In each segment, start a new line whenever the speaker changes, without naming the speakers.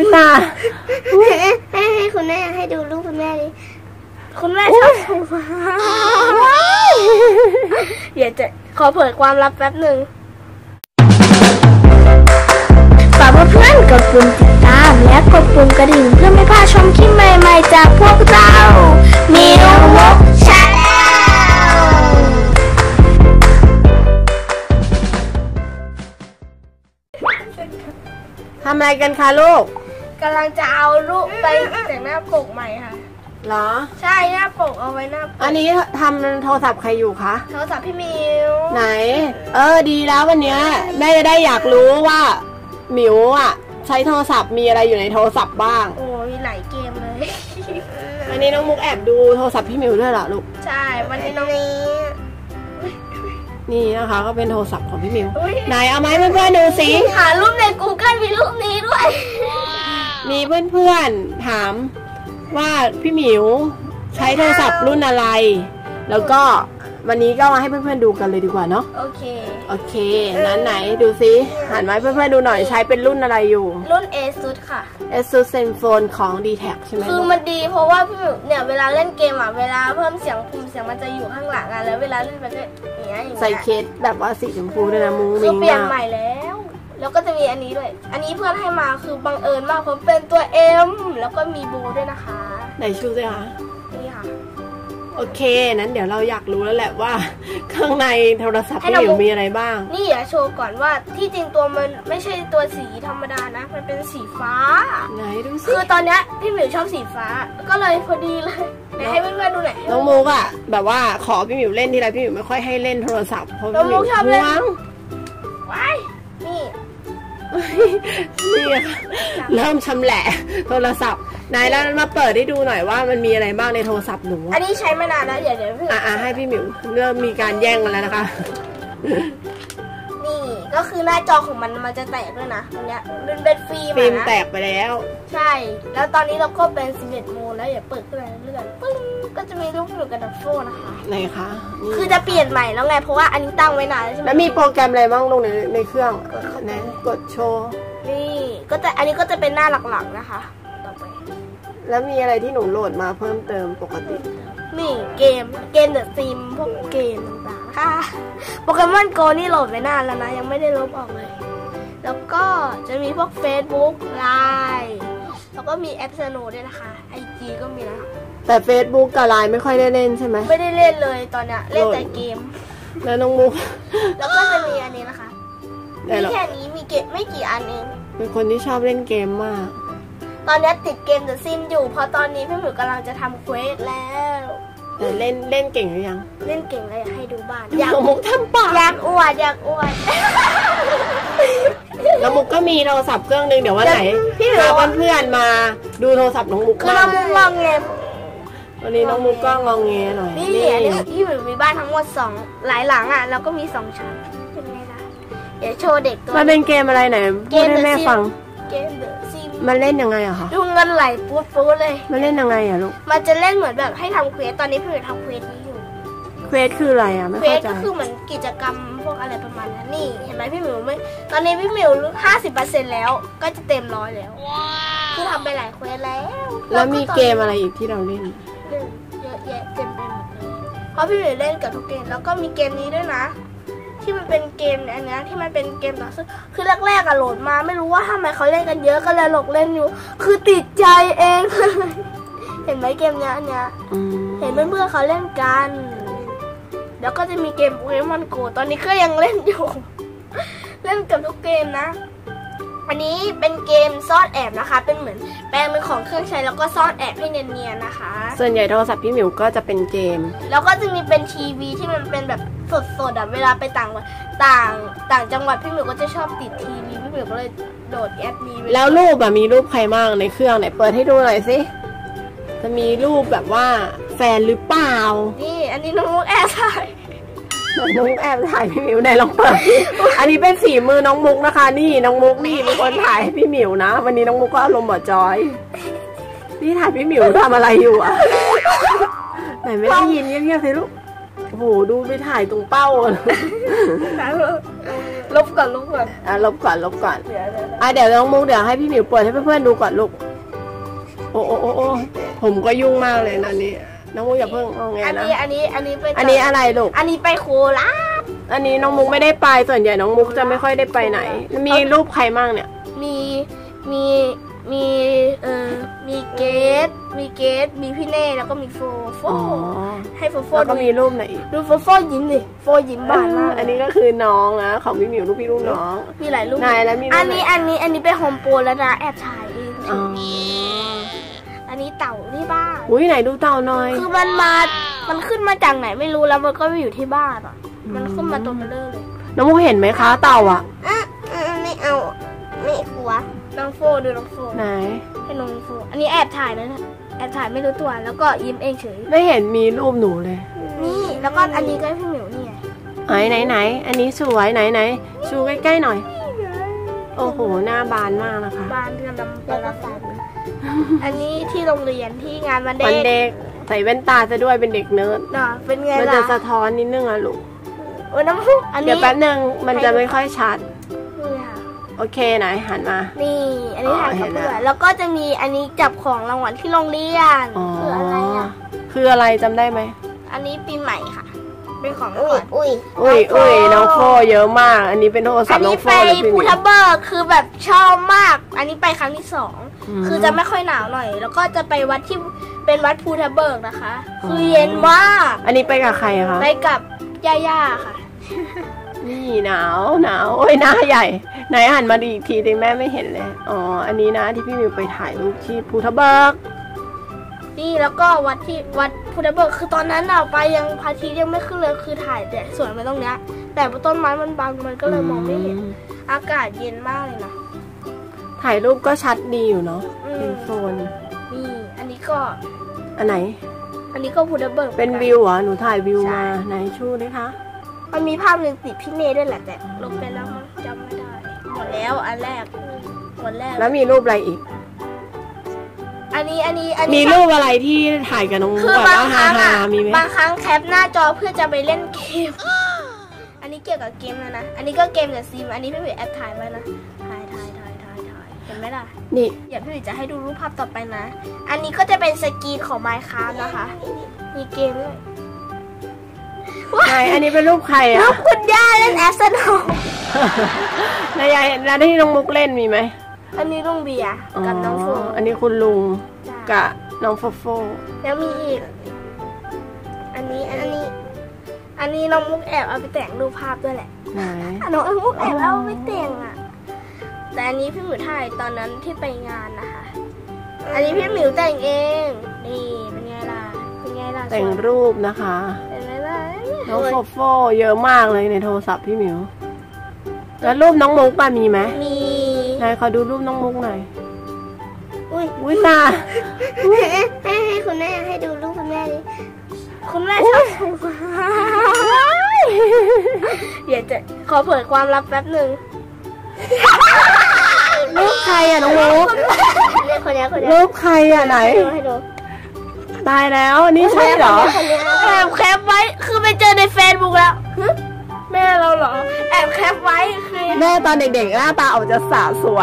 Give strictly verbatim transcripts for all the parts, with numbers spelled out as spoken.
ยตา
ให้ให้คุณแม่ให้ดูรูปคุณแม่ดิคุณแม่ชอบถูฟ้าเดี๋ยวจะขอเผยความลับแป๊บหนึ่งฝากเพื่อนๆกดปุ่มติดตามและกดปุ่มกระดิ่งเพื่อไม่พลาดชมคลิปใหม่ๆจากพวกเรามิวมุกชาแนล
ทำอะไรกันคะลูก
กำลังจะเอารูปไปแต่งหน้าปกใหม่ค่ะ
เหรอ
ใช่หน้าปกเอาไว้หน้าปก
อันนี้ทำโทรศัพท์ใครอยู่คะ
โทรศัพท์พี่มิว
ไหนเออดีแล้ววันนี้แม่จะได้อยากรู้ว่าหมิวอ่ะใช้โทรศัพท์มีอะไรอยู่ในโทรศัพท์บ้าง
โอ้มีหลายเกมเลย
วันนี้น้องมุกแอบดูโทรศัพท์พี่มิวด้วยเหรอลูก
ใช่วันนี้น้องนี้
นี่นะคะก็เป็นโทรศัพท์ของพี่มิวไหนเอาไหมเพื่อนๆดูสิ
หารูปใน กูเกิล มีรูปนี้ด้วย
มีเพื่อนๆถามว่าพี่หมิวใช้โทรศัพท์รุ่นอะไรแล้วก็วันนี้ก็มาให้เพื่อนๆดูกันเลยดีกว่าเนาะ
โอเค
โอเคนั้นไหนดูซิหันมาเพื่อนๆดูหน่อยใช้เป็นรุ่นอะไรอยู่
รุ่น Asus ค่ะ
Asus Zenfone ของ ดี แท็ก ใช่ไหม
คือมันดีเพราะว่าพี่หมิวเนี่ยเวลาเล่นเกมอ่ะเวลาเพิ่มเสียงปุ่มเสียงมันจะอยู่ข้างหลังอ่ะแล้วเวลาเล่นมันก็อย่างเงี้ย
ใส่เคสแบบว่าสีชมพูด้วยนะมุ้ง
มิ้งคือเปลี่ยนใหม่แล้วแล้วก็จะมีอันนี้ด้วยอันนี้เพื่อนให้มาคือบังเอิญมากเพราะเป็นตัว M แล้วก็มีโบด้วยนะคะ
ไหนชูสิคะ
นี่ค่ะ
โอเคนั้นเดี๋ยวเราอยากรู้แล้วแหละว่าข้างในโทรศัพท์พี่หมิวมีอะไรบ้าง
นี่อย่าโชว์ก่อนว่าที่จริงตัวมันไม่ใช่ตัวสีธรรมดานะมันเป็นสีฟ้า
ไหนดูสิ
คือตอนนี้พี่หมิวชอบสีฟ้าก็เลยพอดีเลยไหนให้เพื่อนๆดูหน่อย
น้องมุกอะแบบว่าขอพี่หมิวเล่นทีไรพี่หมิวไม่ค่อยให้เล่นโทรศัพท์เพราะพี่หมิวชอบเล่น
ว้ายนี่
นี่เริ่มชำแหละโทรศัพท์ไหนแล้วมาเปิดให้ดูหน่อยว่ามันมีอะไรบ้างในโทรศัพท์หนู
อันนี้ใช้มานานแล้วเดี๋ยวเดี๋ยวพี่
อ่าให้พี่หมิวเริ่มมีการแย่งกันแล้วนะคะ
นี่ก็คือหน้าจอของมันมันจะแตกด้วยนะตรงเนี้ยเป็นเป็นฟิล์มนะ
ฟิล์มแตกไปแล้ว
ใช่แล้วตอนนี้เราก็เป็นสิบเอ็ดโมงแล้วอย่าเปิดขึ้นเรื่อยๆปึ้งก็จะมีรูปหนูกับดับโฟนะคะ
ไหนคะ
คือจะเปลี่ยนใหม่แล้วไงเพราะว่าอันนี้ตั้งไว้นานแล้วใช่ไหม
แล้วมีโปรแกรมอะไรบ้างลงในในเครื่องนะกดโชว์
นี่ก็จะอันนี้ก็จะเป็นหน้าหลักๆนะคะต่อไป
แล้วมีอะไรที่หนูโหลดมาเพิ่มเติมปกติ
นี่เกมเกมเดอะซิมพวกเกมต่างๆค่ะโปเกมอนโกนี่โหลดไว้นานแล้วนะยังไม่ได้ลบออกเลยแล้วก็จะมีพวก Facebook ไลน์ แล้วก็มีแอปสโนด้วยนะคะ ไอ จี ก็มีนะ
แต่ Facebook กับ ไลน์ ไม่ค่อยได้เล่นใช่ไหม
ไม่ได้เล่นเลยตอนเนี้ยเล่นแต่เกม
แล้วน้องมุก
แล้วก็จะมีอันนี้นะคะมีแค่นี้มีเกมไม่กี่อันเอง
เป็นคนที่ชอบเล่นเกมมาก
ตอนนี้ติดเกมเดอะซิมอยู่เพราะตอนนี้พี่หมิวกำลังจะทำเควสแล้ว
แต่เล่นเล่นเก่งหรือยัง
เล่นเก่งเลยให้ดูบ้าน
อยากมุกทำปาก
อยากอวดอยากอวด
แล้วมุกก็มีโทรศัพท์เครื่องนึงเดี๋ยววันไหนพาเพื่อนๆมาดูโทรศัพท์น้องมุก
คือน้องมุกงองเง
วันนี้น้องมุกก็งองเงหน่อย
นี่พี่หมิวมีบ้านทั้งหมดสองหลายหลังอ่ะแล้วก็มีสองชั้นเป็นไงล่ะเดี๋ยวโชว์เด็กตัว
มันเป็นเกมอะไรไหนพูดให้แม่ฟัง
เกมเดอะซิม
มันเล่นยังไงอะคะ
ดูเงินไหลปุ๊บปุ๊บเลย
มันเล่นยังไงอะลูก
มันจะเล่นเหมือนแบบให้ทำเควสตอนนี้พี่หมิวทำเควสนี้อยู่
เควสคืออะไรอะไม่เข้าใจ
เควสก็คือเหมือนกิจกรรมพวกอะไรประมาณนั้นนี่เห็นไหมพี่หมิวไม่ตอนนี้พี่หมิวห้าสิบเปอร์เซ็นต์แล้วก็จะเต็มร้อยแล้วคือทำไปหลายเควสแล้ว
แล้วมีเกมอะไรอีกที่เราเล่น
เล่นเยอะแยะเต็มไปหมดเลยเพราะพี่หมิวเล่นกับทุกเกมแล้วก็มีเกมนี้ด้วยนะที่มันเป็นเกมเนี่ยอันนี้ที่มันเป็นเกมต่อสู้คือแรกๆอะโหลดมาไม่รู้ว่าทำไมเขาเล่นกันเยอะก็เลยหลงเล่นอยู่คือติดใจเองเห็นไหมเกมเนี้ยอันเนี้ยเห็นเพื่อนๆเขาเล่นกันแล้วก็จะมีเกมโปเกมอนโกตอนนี้ก็ยังเล่นอยู่เล่นกับทุกเกมนะอันนี้เป็นเกมซ่อนแอบนะคะเป็นเหมือนแปลงเป็นของเครื่องใช้แล้วก็ซ่อนแอบให้เนียนๆนะคะ
ส่วนใหญ่โทรศัพท์พี่หมิวก็จะเป็นเกม
แล้วก็จะมีเป็นทีวีที่มันเป็นแบบสดๆอ่ะเวลาไปต่างต่างต่างจังหวัดพี่หมิวก็จะชอบติดทีวีพี่หมิวก็เลยโหลดแอปนี้
แล้วรูปอ่ะมีรูปใครบ้างในเครื่องไหนเปิดให้ดูหน่อยสิจะมีรูปแบบว่าแฟนหรือเปล่า
นี่อันนี้น้องมุกแอบถ่าย
น้องแอบถ่ายพี่หมิวไหนลองเปิดอันนี้เป็นฝีมือน้องมุกนะคะนี่น้องมุกนี่เป็นคนถ่ายพี่หมิวนะวันนี้น้องมุกก็อารมณ์บ่จอยนี่ถ่ายพี่หมิวทำอะไรอยู่อ่ะไหนไม่ได้ยินเงียบๆสิลูกโอ้โหดูไปถ่ายตรงเป้า
ลบก่อนลบก่อน
อ่ะลบก่อนลบก่อน
เดี๋ยวเดี๋ยว
อ่ะเดี๋ยวน้องมุกเดี๋ยวให้พี่หมิวเปิดให้เพื่อนๆดูก่อนลูกโอ้โอ้โอ้โอ้ผมก็ยุ่งมากเลยนะนี่น้องมุกอย่าเพิ่งเอาไงนะ
อันนี้อันนี้อันนี้ไป
อันนี้อะไรลูก
อันนี้ไปโคราช
อันนี้น้องมุกไม่ได้ไปส่วนใหญ่น้องมุกจะไม่ค่อยได้ไปไหนมีรูปใครมั่งเนี่ย
มีมีมีเอ่อมีเกดมีเกดมีพี่เน่แล้วก็มีโฟโฟ
อ๋อ
ให้โฟโฟ
แล้วก็มีรูปไหนอีก
ดูโฟโฟยิ้มดิโฟยิ้มบานมาก
อันนี้ก็คือน้องนะของพี่หมิวรูปพี่รูปน้อง
มีหลายรูป
นายแล้วมีรูป
อันนี้อันนี้อันนี้เป็นโฮมโปรแล้วนะแอบถ่ายเอง
อ๋อ
อันนี้เต่าที่บ้าน
อุ้ยไหนดูเต่าหน่อย
คือมันมา มันขึ้นมาจากไหนไม่รู้แล้วมันก็อยู่ที่บ้านอ่ะ มันขึ้นมาตัวเบลเลอร์เลย
น้องมุกเห็นไหมคะเต่าอ่ะ
อ่ะไม่เอา ไม่กลัว น้องโฟดูน้องโฟ
ไหน
ให้น้องโฟ อันนี้แอบถ่ายนะแอบถ่ายไม่รู้ตัว แล้วก็ยิ้มเองเฉย
ไม่เห็นมีรูปหนูเลย
นี่ แล้วก็อันนี้ก็พี่หมิวนี่ไง
ไหนไหนไหนอันนี้สวยไหนไหนชูใกล้ๆหน่อย โอ้โหหน้าบานมากนะคะ
บ้านกำลังเปิดรับฟังอันนี้ที่โรงเรียนที่งานวันเด็
วัน
ก
เด็กใส่แว่นตาจะด้วยเป็นเด็กเนิร์ด
เนาะเป็นไง
มัน
ล่ะ
จะสะท้อนนิดนึงอะลูก
โอ้ยน้ำพุอันนี้
เดี๋ยวแป๊บนึงมันจะไม่ค่อยชัด
นี่ค่ะ
โอเคไหนหันมา
นี่ อันนี้ถ่ายกับ
อ๋อเห็น
เพื่
แล้
อ
ว
นแล้วก็จะมีอันนี้จับของรางวัลที่โรงเรียน
อ๋อ
คืออะไรอ่ะ
คืออะไรจำได้ไหม
อันนี้ปีใหม่ค่ะ เป็นของรางวัล
อุ้ย
อุ้ยอุ้ยน้องโฟเยอะมาก อันนี้เป็นโทรศั
อั
พ
น
ท์น้อ
นี้
งโฟ
ไป
เลยพี่ห
ภู
มิว
ทับเบิกคือแบบชอบมาก อันนี้ไปครั้งที่สอง
อืม
คือจะไม่ค่อยหนาวหน่อย แล้วก็จะไปวัดที่เป็นวัดภูทับเบิกนะคะ คือเย็นมาก
อันนี้ไปกับใครอะคะ
ไปกับย่าๆค่ะ
นี่หนาวหนาวโอ้ยหน้าใหญ่ไหนหันมาดีอีกทีดิแม่ไม่เห็นเลยอ๋ออันนี้นะที่พี่มิวไปถ่ายรูปที่ภูทับเบิก
นี่แล้วก็วัดที่วัดภูทับเบิกคือตอนนั้นเราไปยังพระอาทิตย์ยังไม่ขึ้นเลยคือถ่ายแต่สวนไปตรงเนี้ย แต่ต้นไม้มันบังมันก็เลยมองไม่เห็น อากาศเย็นมากเลยนะ
ถ่ายรูปก็ชัดดีอยู่เนาะ
อืม
เป็นโฟน
นี่อันนี้ก็
อันไหน
อันนี้ก็ภูทับเบิก
เป็นวิวเหรอหนูถ่ายวิวมาไหนชูดิคะ
มันมีภาพหนึ่งติดพี่เนยด้วยแหละแต่ลงไปแล้วมันจำไม่ได้หมดแล้วอันแรกหมดแรก
แล้วมีรูปอะไรอีก
อันนี้อันนี้อัน
มี
นี้
รูปอะไรที่ถ่ายกับน้องมุก
คือ
แบบ
บาง
ว่า
ค
ฮา
รั้ง
ฮา
อ่ะ
มีไหม
บางครั้งแคปหน้าจอเพื่อจะไปเล่นเกม อันนี้เกี่ยวกับเกมเลยนะ อันนี้ก็เกมกับซิม อันนี้พี่หวิแอบถ่ายไว้นะ ถ่ายถ่ายถ่ายถ่ายถ่ายเห็นไหมล่ะ
นี่
เดี๋ยวพี่หวิจะให้ดูรูปภาพต่อไปนะ อันนี้ก็จะเป็นสกรีนของ Minecraft นะคะ มีเกมด้วย
ไหนอันนี้เป็นรูปใคร
รู
อ่ะ
ปคุณย่าเล่นแอสเซนอล
นายยายแล้วที่น้องมุกเล่นมีไหม
อันนี้ลุงเบียร์กับน้องโฟ
อันนี้คุณลุง
จ้ะ
กับน้องโฟโฟ
แล้วมีอีก อันนี้อันนี้ อันนี้น้องมุกแอบเอาไปแต่งรูปภาพด้วยแหละ
ไหน
อ่ะน้องมุกแอบเอาไปแต่งอ่ะ แต่อันนี้พี่หมิวถ่ายตอนนั้นที่ไปงานนะคะ อันนี้พี่หมิวแต่งเอง นี่เป็นไงล่ะ เป็นไงล่ะ
แต่งรูปนะคะ
เป็นไงล่ะ
น้องโฟโฟเยอะมากเลยในโทรศัพท์พี่หมิว แล้วรูปน้องมุกป่ะมีไหม
มี
นายขอดูรูปน้องมุกหน่อย
อุ้ย
อุ้ยตา
ให้ให้คุณแม่ให้ดูรูปคุณแม่ดิคุณแม่ชอบถ่าย เดี๋ยวจะขอเผยความลับแป๊บหนึ่ง
รูปใครอ่ะน้องมุก
เนี่ยคนนี้คนนี้
รูปใครอ่ะไหน
ให้ดูให้ดู
ตายแล้วนี่ใช่เหรอ
แอบแคปไว้คือไปเจอในเฟซบุ๊กแล้วหึแม่เราเหรอแอบแคปไว้คือ
แม่ตอนเด็กๆหน้าตาออกจะสาวสวย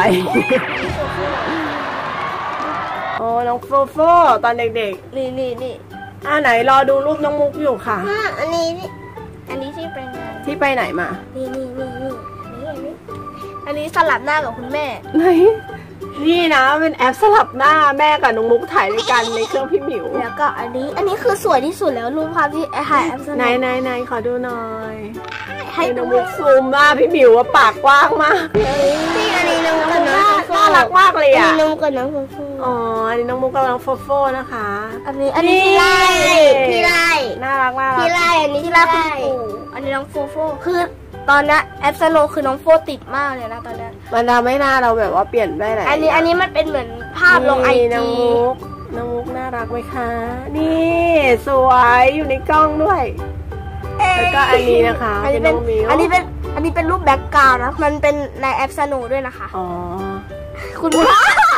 โอ้น้องโฟโฟตอนเด็ก
นี่นี่นี่
ๆอ่าไหนรอดูรูปน้องมุกอยู่ค่ะ
อ่ะอันนี้นี่อันนี้ที่ไปงาน
ที่ไปไหนมา
นี่นี่นี่นี่อันนี้อันนี้อันนี้สลับหน้ากับคุณแม่
ไหน นี่นะเป็นแอปสลับหน้าแม่กับน้องมุกถ่ายด้วยกันในเครื่องพี่หมิว
แล้วก็อันนี้ อันนี้คือสวยที่สุดแล้วรูปภาพที่ถ่ายแอปส
ไหน
ลับ
ไหนไหนขอดูหน่อย
ให้
ให้น้
ดู
องมุกซูมมากพี่หมิวว่าปากกว้างมาก
นี่อันนี้น้อง
น้อง
กับ
มุก
น้อ
น่าง น่ารักมากเลย
อัน
อ่ะ
นี้น้องกับน้องฟูฟู
อ๋ออันนี้น้องมุกกับน้องโฟโฟนะคะ
อันนี้อันนี้พี่ไล่พี่ไล่
น่ารักมาก
พี่ไล่อันนี้พี่ไล่คุณปู่อันนี้น้องฟูฟูคือตอนนี้แอปสโนคือน้องโฟติดมากเลยนะตอนนี้
มันทำให้หน้าเราแบบว่าเปลี่ยนได้หลาย
อันนี้อันนี้มันเป็นเหมือนภาพลงไอ
นี่น้อ
จี
งมุกน้องมุกน่ารักไหมคะ นี่สวยอยู่ในกล้องด้วย แล้วก็อันนี้นะคะ
อันนี้เป็น
เป็นน้องมิว
อันนี้เป็นอันนี้เป็นรูปแบ็กกราวด์นะมันเป็นในแอปสโนด้วยนะคะ
อ๋อ
คุณพ่อ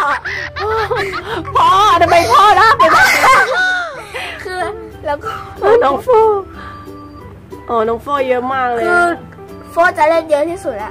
พ่อทำไมพ่อรักเลย
คือแล้วก็
น้องฟูอ๋อน้องโฟเยอะมากเลย
คือโฟจะเล่นเยอะที่สุดแล้ว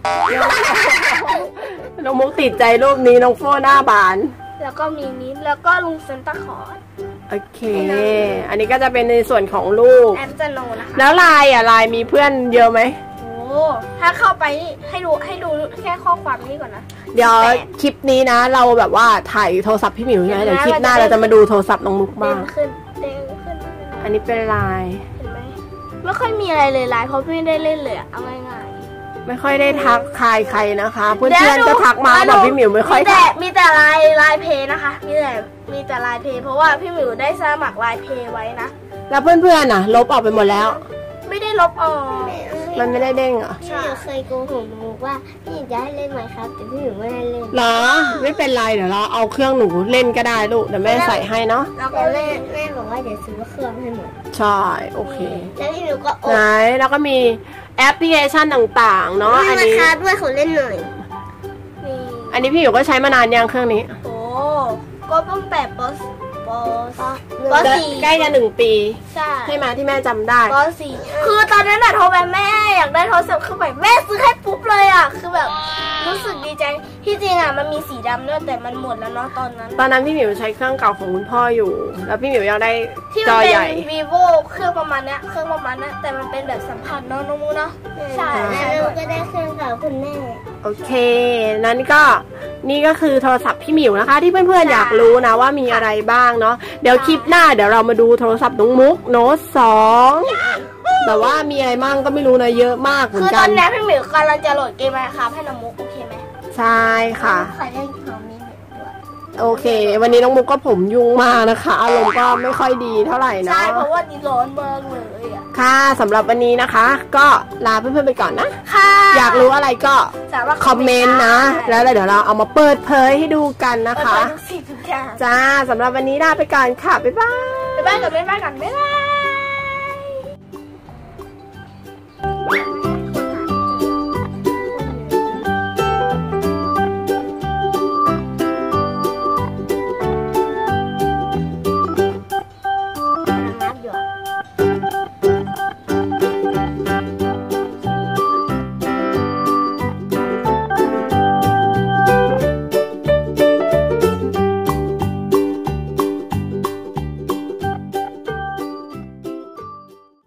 น้องมุกติดใจรูปนี้น้องโฟหน้าบาน
แล้วก็มีนี้แล้วก็ลุงเซนต้าคลอส
โอเค อันนี้ก็จะเป็นในส่วนของลูก
แอมจะโนนะคะ
แล้วลายอ่ะลายมีเพื่อนเยอะไหม
โอ้ถ้าเข้าไปนี่ให้ดูให้ดูแค่ข้อความนี้ก่อนนะ
เดี๋ยวคลิปนี้นะ เราแบบว่าถ่ายโทรศัพท์พี่หมิวใช่ไหม
เดี๋
เดี๋ย
ยว วนะ
คลิปหน้า
เรา
เรา
จะ
จะมาดูโทรศัพท์น้องมุก
เด้
บ้าง
งขึ้นเด้งขึ้น
อันนี้เป็นลาย
เห็นไหมไม่ค่อยมีอะไรเลยไลน์เพราะไม่ได้เล่นเลยอะเอาง่ายๆ
ไม่ค่อยได้ทักทายใครนะคะ เพื่
ดี๋ยว
อนๆก็ทักมา
ดู
แต่พี่หมิวไม่ค่อย
มีแต่
ทัก
มีแต่ไลน์ไลน์เพย์นะคะ มีแต่มีแต่ไลน์เพย์เพราะว่าพี่หมิวได้สมัครไลน์เพย์ไว้นะ
แล้วเพื่อนๆน่ะ ลบออกไปหมดแล้ว
ไม่ได้ลบออก
มันไม่ได้เด้งเหรอ
พี่หมิวเคยโกหกหนูว่าพี่หมิวจะให้เล่นไหมครับแต่พี่หมิวไม่ให้เล่น
เหรอไม่เป็นไรเดี๋ยวเราเอาเครื่องหนูเล่นก็ได้ลูกเดี๋ยวแม่ใส่ให้เนาะ
แล้ว
แต่
ก็
แม่
เล่น
แม่บอกว่าเดี๋ยวซื้อเครื่องให้หมด
ใช่โอเค
แล้วพี่หมิวก็โอ
ไหนแล้วก็มีแอปพลิเคชันต่างๆเนาะอัน
รา
นี้
คาด้วยขอเล่นหน่อย
นี่
อันนี้พี่หมิวก็ใช้มานานยังเครื่องนี้
โอ้ก็ตั้งแต่ปสปส ปสี่
ใกล้จะหนึ่งปี
ใช่
ใช่ไหมที่แม่จำได้
ปสี่คือตอนนั้นอะโทรไปแม่อยากได้โทรศัพท์คือแบบแม่ซื้อให้ปุ๊บเลยอะคือแบบรู้สึกดีใจที่จริงอะมันมีสีดำด้วยแต่มันหมดแล้วเนาะตอนนั้น
ตอนนั้นพี่หมิวใช้เครื่องเก่าของคุณพ่ออยู่ แล้วพี่หมิวยังได้
ที่
จ
มัน
อ
เป็น
ใหญ่
vivo เครื่องประมาณเนี้ยเครื่องประมาณเนี้ยแต่มันเป็นแบบสัมผัสเนาะน้องมูเนาะใช่
แล้ว
ใช่
หนูก็ได้เครื่องเก่าคุณแม่
โอเค นั้นก็นี่ก็คือโทรศัพท์พี่หมิวนะคะ ที่เพื่อนๆอยากรู้นะว่ามีอะไรบ้างเนาะเดี๋ยวคลิปหน้าเดี๋ยวเรามาดูโทรศัพท์น้องมุกโน้ตสองแต่ว่ามีอะไรมั่งก็ไม่รู้นะเยอะมากเหมือ
คื
น
อ
กั
ตอน นนี้พี่หมิวกำลังจะโหลดเกมมาครับให้น้องมุกโอเคไหม
ใช่ค่ะ
ขอเล่นของมีหมิวด้วย
โอเค วันนี้น้องมุกก็ผมยุ่งมากนะคะอารมณ์ก็ไม่ค่อยดีเท่าไหร่เนาะ
ใช่เพราะว่านี่ร้อนมากเลยอะ
ค่ะสำหรับวันนี้นะคะ ก็ลาเพื่อนๆไปก่อนนะ
ค่ะ
อยากรู้อะไรก็
สามารถ
คอมเมนต์นะ แล้วเดี๋ยวเราเอามาเปิดเผยให้ดูกันนะ
เปิด
คะ
ทุกสิ่งทุกอย่าง
จ้าสำหรับวันนี้ลาไปก่อนค่ะ บ๊ายบาย
ไปบ้านกับแม่บ้านกันบ๊ายบาย